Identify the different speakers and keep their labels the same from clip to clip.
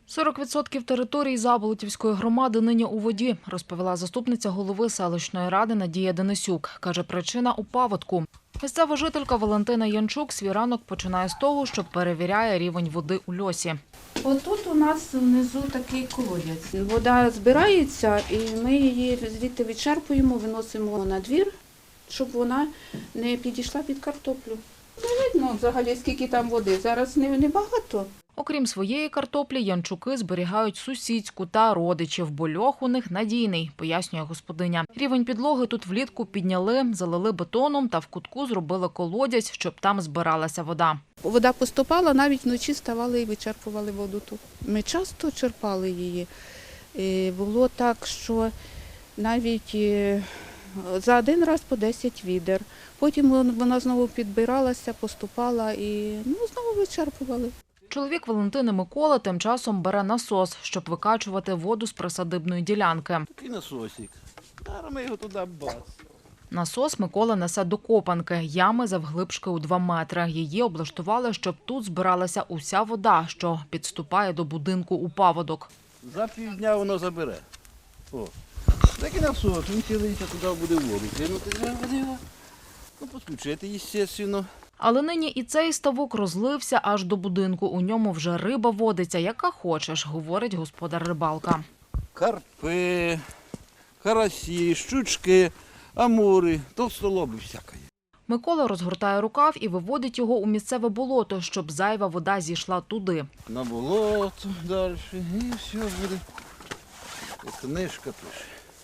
Speaker 1: 40% території Заболотівської громади нині у воді, розповіла заступниця голови селищної ради Надія Денисюк. Каже, причина – у паводку. Місцева жителька Валентина Янчук свій ранок починає з того, що перевіряє рівень води у льосі.
Speaker 2: Отут у нас внизу такий колодязь. Вода збирається і ми її звідти відчерпуємо, виносимо на двір, щоб вона не підійшла під картоплю. Не видно взагалі, скільки там води. Зараз не багато.
Speaker 1: Окрім своєї картоплі, янчуки зберігають сусідську та родичів, бо льох у них надійний, пояснює господиня. Рівень підлоги тут влітку підняли, залили бетоном та в кутку зробили колодязь, щоб там збиралася вода.
Speaker 2: Вода поступала, навіть вночі ставали і вичерпували воду тут. Ми часто черпали її. Було так, що навіть за один раз по 10 відер. Потім вона знову підбиралася, поступала і знову вичерпували.
Speaker 1: Чоловік Валентини Микола тим часом бере насос, щоб викачувати воду з присадибної ділянки.
Speaker 3: Такий насосик. Зараз ми його туди бац.
Speaker 1: Насос Микола несе до копанки, ями завглибшки у 2 метри. Її облаштували, щоб тут збиралася уся вода, що підступає до будинку у паводок.
Speaker 3: За півдня воно забере. О, такий насос, він цілиться туди буде воду. Кинути треба його. Підключити, звісно.
Speaker 1: Але нині і цей ставок розлився аж до будинку. У ньому вже риба водиться, яка хочеш, говорить господар рибалка.
Speaker 3: Карпи, карасі, щучки, амури, толстолоби всяке.
Speaker 1: Микола розгортає рукав і виводить його у місцеве болото, щоб зайва вода зійшла туди.
Speaker 3: На болото далі і все буде. І книжка пише.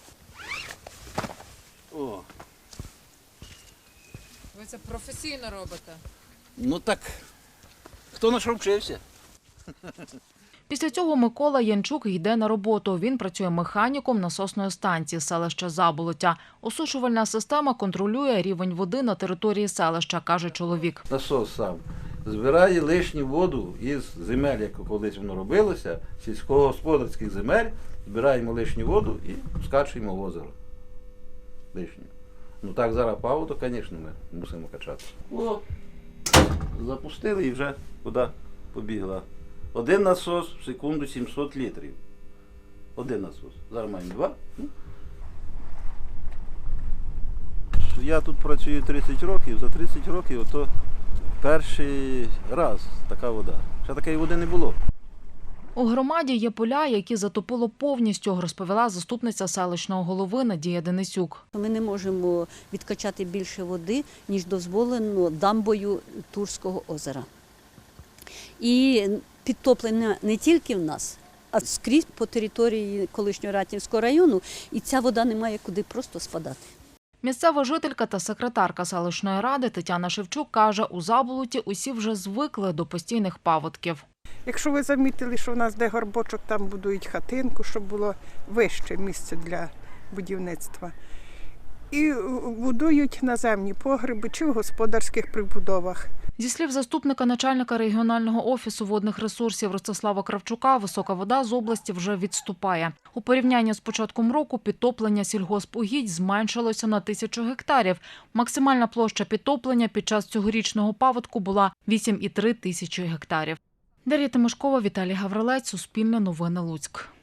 Speaker 3: О.
Speaker 4: Ви це професійно робите?
Speaker 3: Ну так, хто на що вчився?
Speaker 1: Після цього Микола Янчук йде на роботу. Він працює механіком насосної станції селища Заболоття. Осушувальна система контролює рівень води на території селища, каже чоловік.
Speaker 3: Насос сам збирає лишню воду із земель, як колись воно робилося, сільськогосподарських земель, збираємо лишню воду і скачуємо в озеро. Лишню. Ну так зараз паводок, звісно, ми мусимо качати. О, запустили і вже вода побігла. Один насос в секунду 700 літрів. Один насос. Зараз маємо 2. Я тут працюю 30 років, за 30 років ото перший раз така вода. Ще такої води не було.
Speaker 1: У громаді є поля, які затопило повністю, розповіла заступниця селищного голови Надія Денисюк.
Speaker 5: Ми не можемо відкачати більше води, ніж дозволено дамбою Турського озера. І підтоплення не тільки в нас, а скрізь по території колишнього Ратнівського району, і ця вода не має куди просто спадати.
Speaker 1: Місцева жителька та секретарка селищної ради Тетяна Шевчук каже, у Заболоті усі вже звикли до постійних паводків.
Speaker 6: Якщо ви замітили, що в нас де горбочок, там будують хатинку, щоб було вище місце для будівництва. І будують наземні погреби чи в господарських прибудовах.
Speaker 1: Зі слів заступника начальника регіонального офісу водних ресурсів Ростислава Кравчука, висока вода з області вже відступає. У порівнянні з початком року підтоплення сільгоспугідь зменшилося на 1000 гектарів. Максимальна площа підтоплення під час цьогорічного паводку була 8,3 тисячі гектарів. Дар'я Тимошкова, Віталій Гаврилець, Суспільне новини, Луцьк.